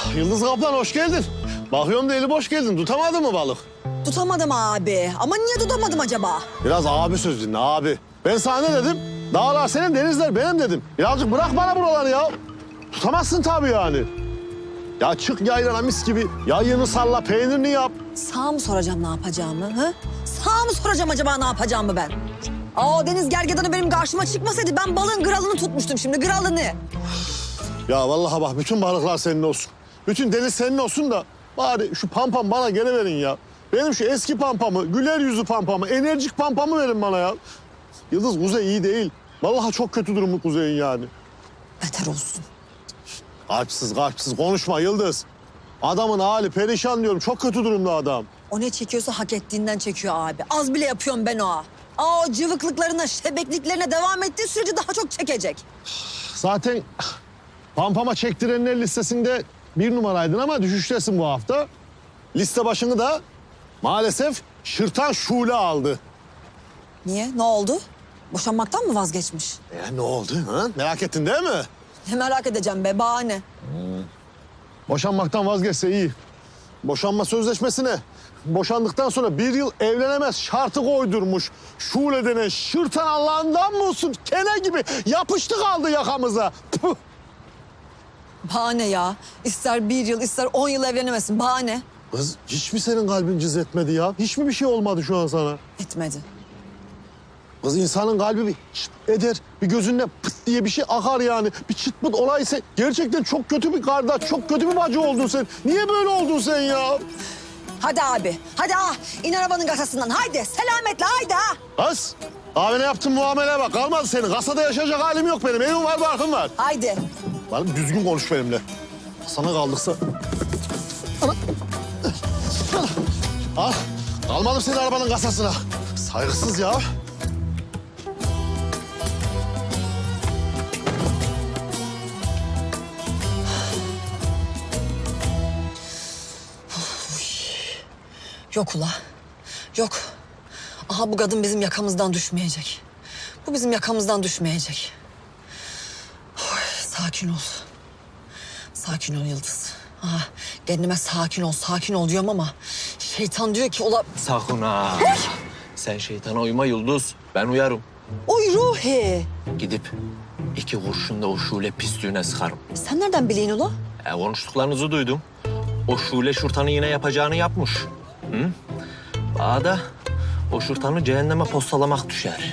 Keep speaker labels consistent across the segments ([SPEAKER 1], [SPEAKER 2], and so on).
[SPEAKER 1] Yıldız Kaplan hoş geldin. Bakıyorum da eli boş geldin. Tutamadın mı balık?
[SPEAKER 2] Tutamadım abi. Ama niye tutamadım acaba?
[SPEAKER 1] Biraz abi söz dinle abi. Ben sana ne dedim? Dağlar senin, denizler benim dedim. Birazcık bırak bana buraları ya. Tutamazsın tabii yani. Ya çık yaylana mis gibi. Yayını salla, peynirini yap.
[SPEAKER 2] Sağ mı soracağım ne yapacağımı? Hı? Sağ mı soracağım acaba ne yapacağımı ben? Aa, o deniz gergedanı benim karşıma çıkmasaydı ben balığın kralını tutmuştum şimdi, kralını.
[SPEAKER 1] Ya vallahi bak bütün balıklar senin olsun. Bütün deniz senin olsun da bari şu pampam bana geri verin ya. Benim şu eski pampamı, güler yüzlü pampamı, enerjik pampamı verin bana ya. Yıldız Kuzey iyi değil. Vallahi çok kötü durumu Kuzey'in yani.
[SPEAKER 2] Beter olsun.
[SPEAKER 1] Kalpsiz konuşma Yıldız. Adamın hali perişan diyorum. Çok kötü durumda adam.
[SPEAKER 2] O ne çekiyorsa hak ettiğinden çekiyor abi. Az bile yapıyorum ben o. Aa, o cıvıklıklarına, şebekliklerine devam ettiği sürece daha çok çekecek.
[SPEAKER 1] Zaten pampama çektirenler listesinde 1 numaraydın ama düşüştesin bu hafta. Liste başını da maalesef Şırtan Şule aldı.
[SPEAKER 2] Niye? Ne oldu? Boşanmaktan mı vazgeçmiş?
[SPEAKER 1] Ne oldu? Ha? Merak ettin değil mi?
[SPEAKER 2] Ne merak edeceğim be, bahane.
[SPEAKER 1] Boşanmaktan vazgeçse iyi. Boşanma sözleşmesine boşandıktan sonra 1 yıl evlenemez şartı koydurmuş. Şule denen Şırtan Allah'ından mı olsun? Kene gibi yapıştı kaldı yakamıza. Puh!
[SPEAKER 2] Bahane ya. İster 1 yıl, ister 10 yıl evlenemesin. Bahane.
[SPEAKER 1] Kız hiç mi senin kalbin cız etmedi ya? Hiç mi bir şey olmadı şu an sana?
[SPEAKER 2] Etmedi.
[SPEAKER 1] Kız insanın kalbi bir çıt eder, bir gözünde pıt diye bir şey akar yani. Bir çıt pıt olaysa gerçekten çok kötü bir kardeş, çok kötü bir bacı oldun sen. Niye böyle oldun sen ya?
[SPEAKER 2] Hadi abi. Hadi in arabanın kasasından. Haydi selametle haydi ha.
[SPEAKER 1] Kız, abine yaptığın muameleye bak. Kalmadı senin. Kasada yaşayacak halim yok benim. Evim var, barkım var.
[SPEAKER 2] Haydi.
[SPEAKER 1] Bana düzgün konuş benimle. Sana kaldıksa... Ana. Al. Kalmadım senin arabanın kasasına. Saygısız ya.
[SPEAKER 2] Yok ula. Yok. Aha, bu kadın bizim yakamızdan düşmeyecek. Bu bizim yakamızdan düşmeyecek. Oy, sakin ol. Sakin ol Yıldız. Aha, kendime sakin ol diyorum ama şeytan diyor ki ula...
[SPEAKER 3] Sakın ha. Sen şeytana uyma Yıldız. Ben uyarım.
[SPEAKER 2] Oy Ruhi.
[SPEAKER 3] Gidip 2 kurşun da o Şule pisliğine sıkarım.
[SPEAKER 2] Sen nereden bileyim ula?
[SPEAKER 3] Konuştuklarınızı duydum. O Şule Şurtan'ı yine yapacağını yapmış. Hı? Bana da o Şurtan'ı cehenneme postalamak düşer.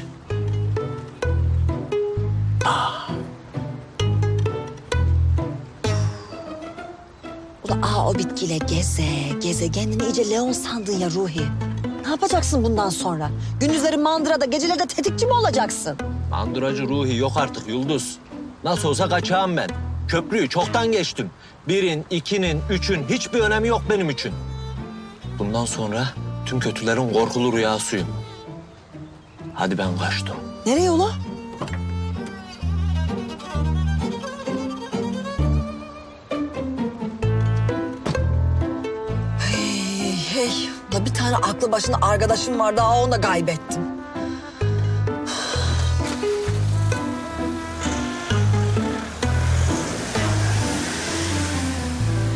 [SPEAKER 2] Ula o bitkiyle geze kendini iyice Leon sandın ya Ruhi. Ne yapacaksın bundan sonra? Gündüzleri mandırada, geceleri de tetikçi mi olacaksın?
[SPEAKER 3] Manduracı Ruhi yok artık Yıldız. Nasıl olsa kaçağım ben. Köprüyü çoktan geçtim. 1'in, 2'nin, 3'ün hiçbir önemi yok benim için. Bundan sonra tüm kötülerin korkulu rüyasıyım. Hadi ben kaçtım.
[SPEAKER 2] Nereye ula? Hey. Ula bir tane aklı başında arkadaşım vardı, onu da kaybettim.